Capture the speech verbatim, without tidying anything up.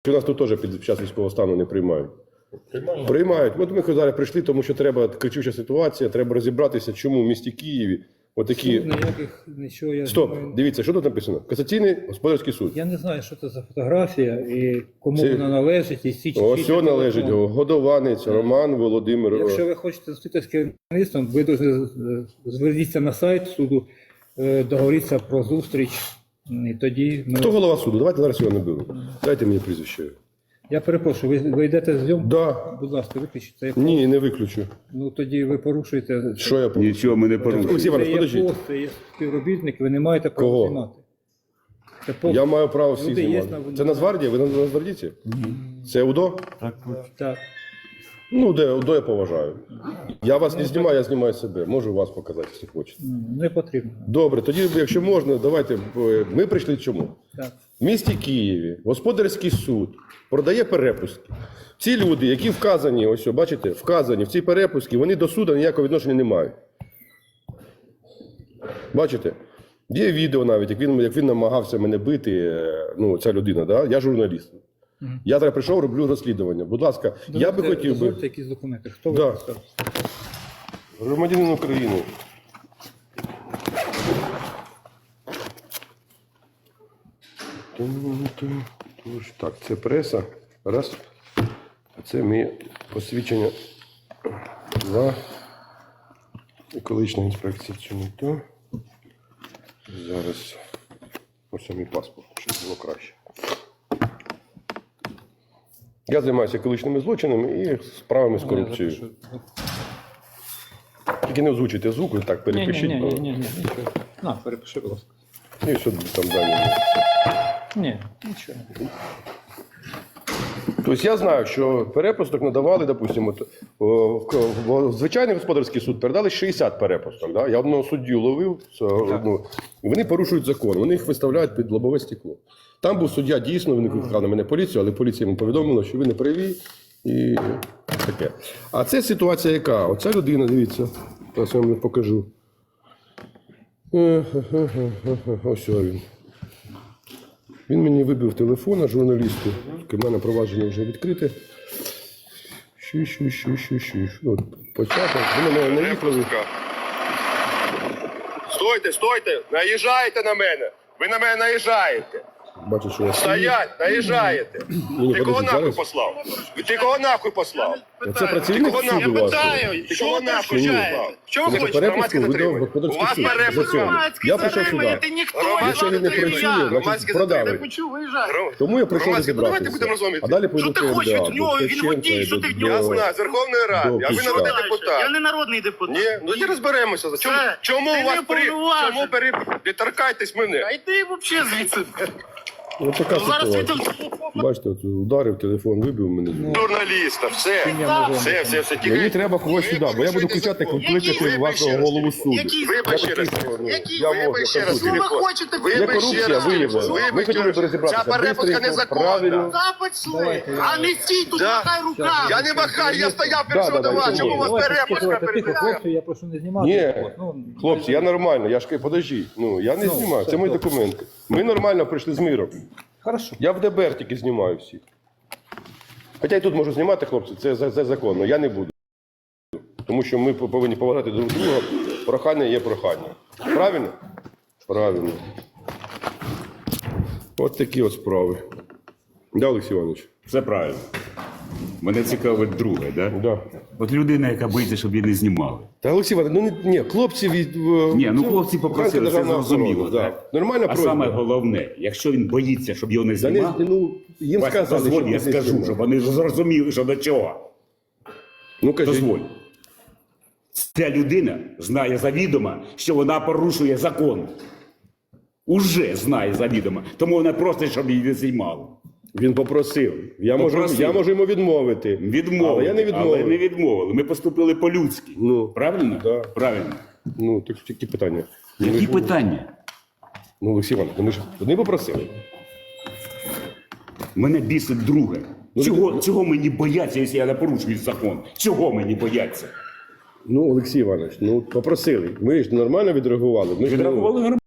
У нас тут теж під час військового стану не приймають. Приймають. Приймають. От ми зараз прийшли, тому що треба кричуща ситуація, треба розібратися, чому в місті Києві отакі... Суд ніяких, нічого, я Стоп, думаю, дивіться, що тут написано? Касаційний господарський суд. Я не знаю, що це за фотографія і кому Це- вона належить. І всі Ось чіткі все належить. телефони. Годованець, Роман Володимир. Якщо ви хочете зустрітися з керівництвом, ви дуже зверніться на сайт суду, е, договоріться про зустріч. І тоді ми... Хто голова суду? Давайте зараз його не беру. Дайте мені прізвище. Я перепрошую, ви, ви йдете з зйомку? Да. Будь ласка, виключіть це. Ні, не виключу. Ну тоді ви порушуєте. Що я порушую? Нічого ми не Олексій порушуємо. Іванович, Це є подождіть. пост, це є співробітник, ви не маєте права Кого? знімати. Це пост. Я маю право всіх Люди є знімати. на- Це Нацгвардія? Ви на Нацгвардійці? Це УДО? Так. Ну, де УДО я поважаю. Я вас не знімаю, я знімаю себе. Можу вас показати, якщо хочете. Не потрібно. Добре, тоді, якщо можна, давайте. е, Ми прийшли чому? Так. В місті Києві господарський суд продає перепустки. Ці люди, які вказані, ось, о, бачите, вказані в ці перепустки, вони до суду ніякого відношення не мають. Бачите? Є відео навіть, як він, як він намагався мене бити, е, ну, ця людина, да? Я журналіст. Я зараз прийшов, роблю розслідування. Будь ласка, я би хотів би... Дозвольте якісь документи. Хто ви? Да. писав? Громадянин України. Так, це преса. Раз. А це моє посвідчення. Два. Екологічна інспекція. Це не то. Зараз. Ось мій паспорт, щоб було краще. Я займаюся екологічними злочинами і справами з корупцією. Тільки не озвучуйте звук, так Ні, ні, перепишіть. ні, бо- ні, ні, нічого. На, перепиши, будь ласка. І що там далі. Ні, нічого. Тобто я знаю, що перепусток надавали, допустимо, от, о, в, в звичайний господарський суд передали шістдесят перепусток. Да? Я одного суддю ловив, це, ну, і вони порушують закон, вони їх виставляють під лобове стекло. Там був суддя, дійсно, він викликав на мене поліцію, але поліція йому повідомила, що ви не праві і таке. А це ситуація яка? Оця людина, дивіться, зараз я вам покажу. Ось він. Він мені вибив телефона журналісту. У мене провадження вже відкрите. Щу, щу, щу, щу, щу. От, початок. Ви на мене наїхали. Стойте, стойте! Наїжджаєте на мене! Ви на мене наїжджаєте! Бачу, що я стою. Стоять, наїжджаєте. Ні, Ти кого подожди, нахуй зараз. послав? Ти кого нахуй послав? Це працівник Кого нахуй? суду Я вас. питаю, Ти що кого ви нахуй перешкоджаєте? послав? Що ви За хочете? перепустку Громадське ви до затримання. У господарський вас суд. перепустка. За цього. Я прийшов сюди. Ти ніхто, Якщо він не працює, значить продали. Тому я прийшов Громадське, ну, давайте будемо розібратися. розуміти. А далі пойду Що ти хочеш від нього? Він водій, що ти в нього Я хочеш? знаю, з Верховної Ради, а ви Добре. народний Я депутат. не народний депутат. Ні, ну і розберемося. Чому, Це- чому ти у вас не при... повноважений. Чому пере... Не торкайтесь мене. А йди взагалі звідси. Ось така Зараз ситуація. світом. Бачите, от ударив, телефон вибив мене. Журналіста, все. Все, все, все. Мені треба когось сюди, бо я буду кричати, кликати вашого голову суду. Який Вибач ще раз. Який? Я можу, Вибач ще я раз. Що ви телефон. хочете? Є Вибач ще корупція раз. виявлена. Ми Вибач хотіли ще б раз. розібратися. Ця перепустка Бистренько, незаконна. правильно. Запит свій, а не стій тут, Да. махай руками. Я не махаю, я стояв Да, першого да, до да, вас. Чому у вас Давайте перепустка тихо, тихо, перебігає? хлопці, я прошу не знімати. Ні, Ну, хлопці, я нормально, я ж кажу, подожди. Ну, я не Ну, знімаю, все, це мої добре. документи. Ми нормально прийшли з миром. Хорошо. Я в ДБР тільки знімаю всіх. Хоча і тут можу знімати, хлопці, це, це, це законно, я не буду. Тому що ми повинні поважати друг друга. Прохання є прохання. Правильно? Правильно. От такі от справи. Да, Олексій Іванович? Все правильно. Мене цікавить друге, да? Да. От людина, яка боїться, щоб її не знімали. Та Олексій Іванович, ну не, ні, хлопці від... Ні, ну це хлопці попросили, це державна зрозуміло. охорона, Так? да. Нормальна А просьба. саме головне, якщо він боїться, щоб його не Та не, знімали, ну, їм Вася, сказали, дозволь, що я не скажу, знімали. щоб вони зрозуміли, що до чого. Ну, кажіть. Дозволь. Ця людина знає завідомо, що вона порушує закон. Уже знає завідомо. Тому вона просить, щоб її не знімали. Він попросив. Я, можу, Попросив. я можу йому відмовити. Відмовили. Але я не відмовив. Але не відмовили. Ми поступили по-людськи. Ну, Правильно? Да. Правильно. Ну, так які питання? Ну, ви Які ж- питання? Ну, Олексій Іванович, вони ж вони попросили. Мене бісить друге. Ну, Чого, ви- чого мені бояться, якщо я не порушую закон? Чого мені бояться? Ну, Олексій Іванович, ну попросили. Ми ж нормально відреагували. Ми ж, ну, Відрахували